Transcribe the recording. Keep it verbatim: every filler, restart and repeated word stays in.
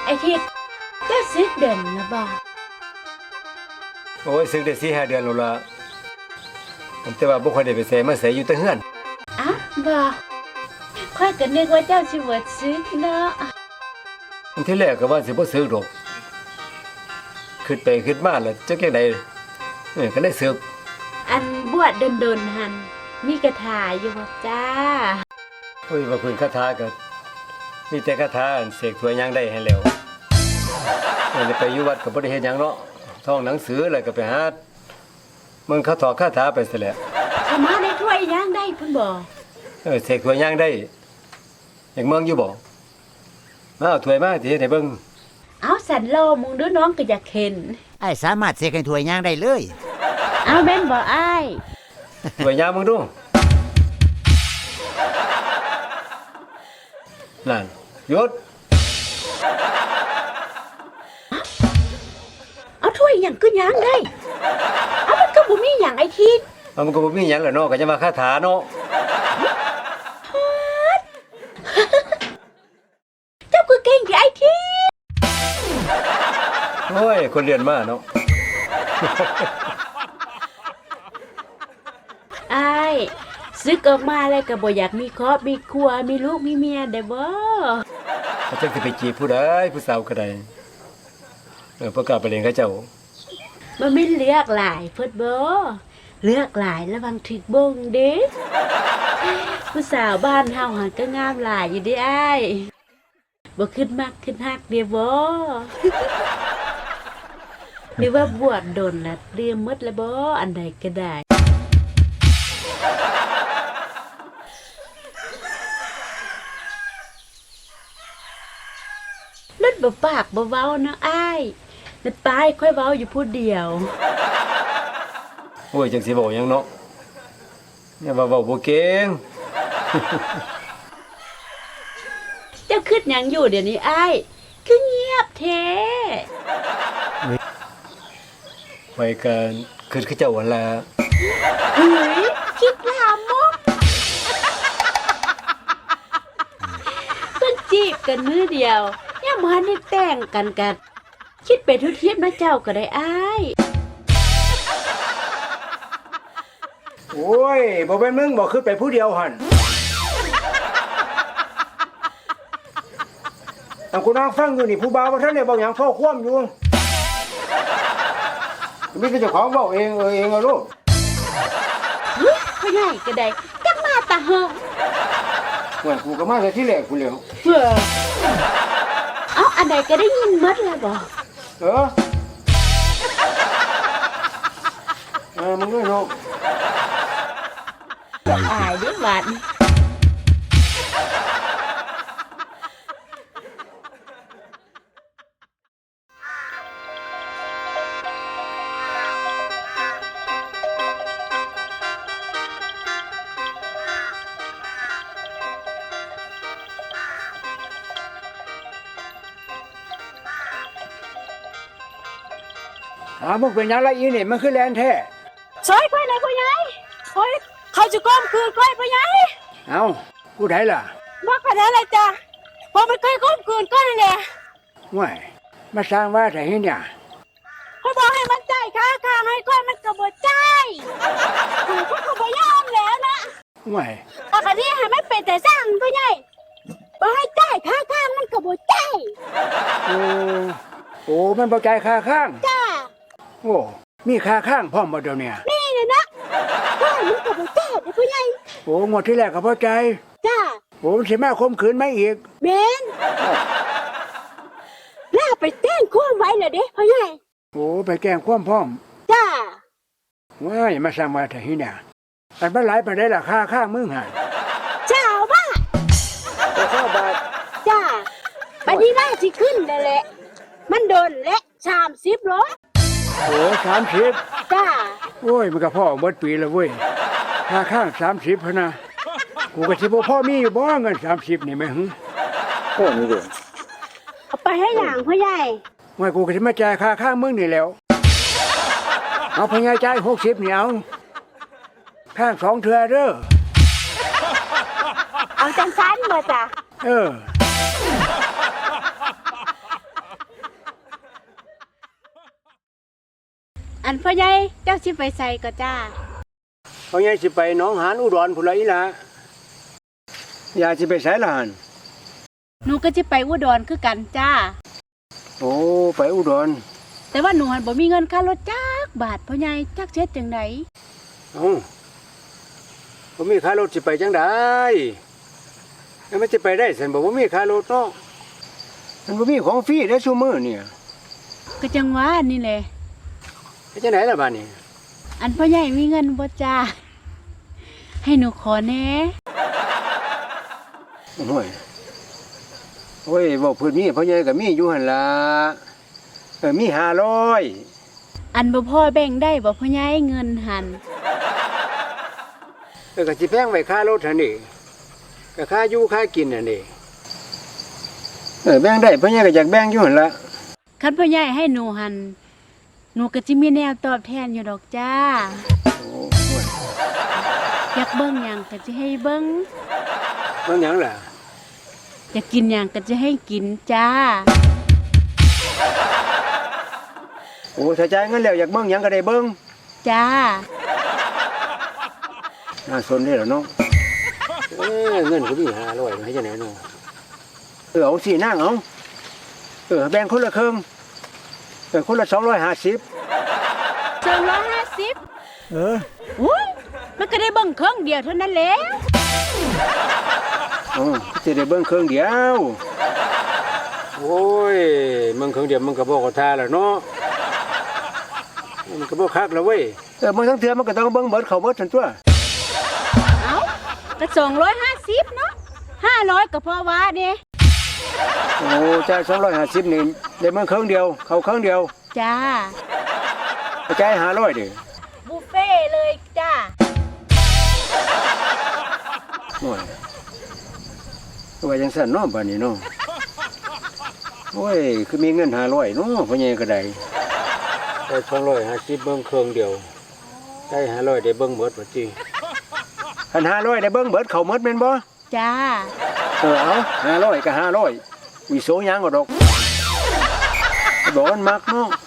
ไอ้ทิดเจ้าซึกเด่นนะบ่โอ้ยซึกได้สี่ห้าเดือนแล้วล่ะแต่ว่าบ่ค่อยได้ไปไสมาไสอยู่แต่เฮือนอ้าวบ่ค่อยก็นึกว่าเจ้าสิบ่ซึกเนาะอันที่แรกก็ว่าสิบ่ซึกดอกคิดไปคิดมาแล้วจักจังได๋เออก็เลยซึกอันบวชดนๆหั่นมีคาถาอยู่บ่จ้าโอ้ยว่าเพิ่นคาถาก็มีแต่คาถาเสกถวยหยังได้ให้แล้วเออไปอยู่วัดก็บ่ได้เฮ็ดหยังเนาะท่องหนังสือแล้วก็ไปหามึงเขาถอดคาถาไปซะแล้วสมาได้ถ้วยย่างได้เพิ่นบ่เออเสกถวยหยังได้อยากเมืองอยู่บ่มาเอาถ้วยมาสิเฮ็ดให้เบิ่งเอาสันโลมึงดูน้องก็อยากเห็นไอ้สามารถเสกให้ถ้วยย่างได้เลยเอาแม่นบ่อ้ายถ้วยหยังมึงดูนั่นหยุดเอาถ้วยหยังก็ย่างได้เอามันก็บ่มีหยังไอ้ทิดเอามันก็บ่มีหยังแหละเนาะก็จะมาคาถาเนาะเจ้าก็เก่งที่ไอ้ทิดโอ้ยคนเรียนมาเนาะอ้ายซึกออกมาแล้วก็บ่อยากมีครอบมีครัวมีลูกมีเมียได้บ่เขาจักสิไปจีบผู้ใดผู้สาวก็ได้เออบ่กล้าไปเล่นกับเจ้ามันไม่เลือกหลายเพิ่นบ่เลือกหลายระวังถึกบงเด้ผู้สาวบ้านเฮาหันก็งามหลายอยู่เด้อ้ายบ่ขึ้นมักขึ้นฮักเด้บ่หรือว่าบวชดนแล้วเรียมหมดแล้วบ่อันใดก็ได้รถบ่ปากบ่เว้านะอ้ายแต่ปายค่อยเว้าอยู่ผู้เดียวโอ้ยจังสิเว้าหยังเนาะอย่าว่าเว้าบ่เก่งเจ้าคิดหยังอยู่เดี๋ยวนี้อ้ายคือเงียบแท้ไว้กันคือคือเจ้าหั่นล่ะเฮ้ยคิดลามกเพิ่นจีบกันมื้อเดียวยังบ่ทันได้แต่งกันกันคิดไปทุกเทียบนะเจ้าก็ได้อ้ายโอ้ยบ่เป็นมึงบ่คือไปผู้เดียวหั่นอันกูนั่งฟังอยู่นี่ผู้บ่าวบ่ทันได้เว้าหยังโทรความอยู่มีแต่เจ้าของเว้าเองเออเองเอาลูกเฮ้ยพ่อใหญ่ก็ได้จักมาตาเฮาว่ากูก็มาแต่ที่แรกกูแล้วเฮ้อเอ้าอันใดก็ได้ยินหมดแล้วบ่เออเออมึงด้วยลูกอายเด้บัดอ้าวมึงเป็นหยังละอีนี่มันคือแลนแท้ซอยค่อยเลยพ่อใหญ่โอ้ยเขาจะก้มคืนค่อยพ่อใหญ่เอ้ากูได้ล่ะบ่ก็ได้ล่ะจ้ะบ่มันค่อยก้มคืนก็นั่นแหละว้ายมาสร้างว่าแต่เฮ็ดหยังเขาบอกให้มันจ่ายค่าค่าให้ค่อยมันก็บ่จ่ายกูก็บ่ยอมแล้วนะว้ายปกติให้มันเป็นแต่สร้างพ่อใหญ่บ่ให้จ่ายค่าค่ามันก็บ่จ่ายโอ้โอ้มันบ่จ่ายค่าข้างจ้าโอ้มีค่าข้างพร้อมบ่เดี๋ยวนี้นี่เลยนะค่ามันก็บ่จ่ายเด้อพ่อใหญ่โอ้งวดที่แรกก็บ่จ่ายจ้าโอ้สิมาข่มขืนมั้ยอีกแม่นลาไปแจ้งความไว้แล้วเด้พ่อใหญ่โอ้ไปแจ้งความพร้อมจ้าว้ายมาสร้างว่าแต่เฮ็ดหยังอันบ่หลายปานใดล่ะค่าข้างมึงหั่นเจ้าบาทเจ้าบาทจ้าบัดนี้ว่าสิขึ้นแล้วแหละมันโดนและสามสิบโลโอ้สามสิบจ้าโอ้ยมันก็พ่อหมดปีแล้วเว้ยค่าข้างสามสิบพะนะกูก็สิบ่พ่อมีอยู่บ่เงินสามสิบนี่แม่หึโอ้นี่เด้อเอาไปให้หยังพ่อใหญ่ว่ากูก็สิมาจ่ายค่าข้างมึงนี่แล้วเอาพ่อใหญ่จ่ายหกสิบนี่เอาข้างสองเทื่อเด้อเอาจังซั่นบ่จ้ะเอออันพ่อใหญ่เจ้าสิไปใส่ก็จ้าเขาใหญ่สิไปหนองหานอุดรพุ่นละอีหล่ะยายสิไปไสล่ะหั่นหนูก็สิไปอุดรคือกันจ้าโอ้ไปอุดรแต่ว่าหนูหันบ่มีเงินค่ารถจักบาทพ่อใหญ่จักเช็ดจังไดเอ้าบ่มีค่ารถสิไปจังได๋แล้วมันสิไปได้ซั่นบ่บ่มีค่ารถเนาะมันบ่มีของฟรีเด้อซุมื้อเนี่ยก็จังว่านี่แหละไปจังได๋ล่ะบัดนี้อันพ่อใหญ่มีเงินบ่จ้าให้หนูขอแหน่โอ้ยโอ้ยเว้าเพิ่นมีพ่อใหญ่ก็มีอยู่หั่นล่ะเออมีห้าร้อยอันบ่พ่อแบ่งได้บ่พ่อใหญ่เงินหันเออก็สิแพงไว้ค่ารถหั่นนี่ก็ค่าอยู่ค่ากินหั่นนี่เออแบ่งได้พ่อใหญ่ก็อยากแบ่งอยู่หั่นล่ะคันพ่อใหญ่ให้หนูหันหนูก็สิมีแนวตอบแทนอยู่ดอกจ้าโอ้ยอยากเบิ่งหยังก็สิให้เบิ่งเบิ่งหยังล่ะอยากกินหยังก็จะให้กินจ้าโอ้ถ้าจ่ายเงินแล้วอยากเบิ่งหยังก็ได้เบิ่งจ้าน่าสนเด้อล่ะเนาะเอ้ยเงินก็มีห้าร้อยให้จังได๋เนาะเออเอาสินางเอาเออแบ่งคนละครึ่งเออคนละสองร้อยห้าสิบสองร้อยห้าสิบเอออุ้ยมันก็ได้เบิ่งเครื่องเดียวเท่านั้นแหละอ๋อสิได้เบิ่งครึ่งเดียวโอ้ยเบิ่งครึ่งเดียวมันก็บ่เข้าท่าแล้วเนาะมันก็บ่คักแล้วเว้ยเออมันทั้งเทื่อมันก็ต้องเบิ่งเบิดเข้าเบิดซั่นตัวเอ้าก็สองร้อยห้าสิบเนาะห้าร้อยก็พอว่าเด้โอ้จ่ายสองร้อยห้าสิบนี่ได้เบิ่งครึ่งเดียวเข้าครึ่งเดียวจ้าจ่ายห้าร้อยเด้อบุฟเฟ่เลยจ้าโอ้ยว่าจังซั่นเนาะบัดนี้เนาะโอ้ยคือมีเงินห้าร้อยเนาะพ่อใหญ่ก็ได้ได้สองร้อยห้าสิบเบิ่งครึ่งเดียวได้ห้าร้อยได้เบิ่งเบิดว่าติคันห้าร้อยได้เบิ่งเบิดเข้าหมดแม่นบ่จ้าเออเอาห้าร้อยก็ห้าร้อยวิโสยังก็ดอกบอกมันมักเนาะ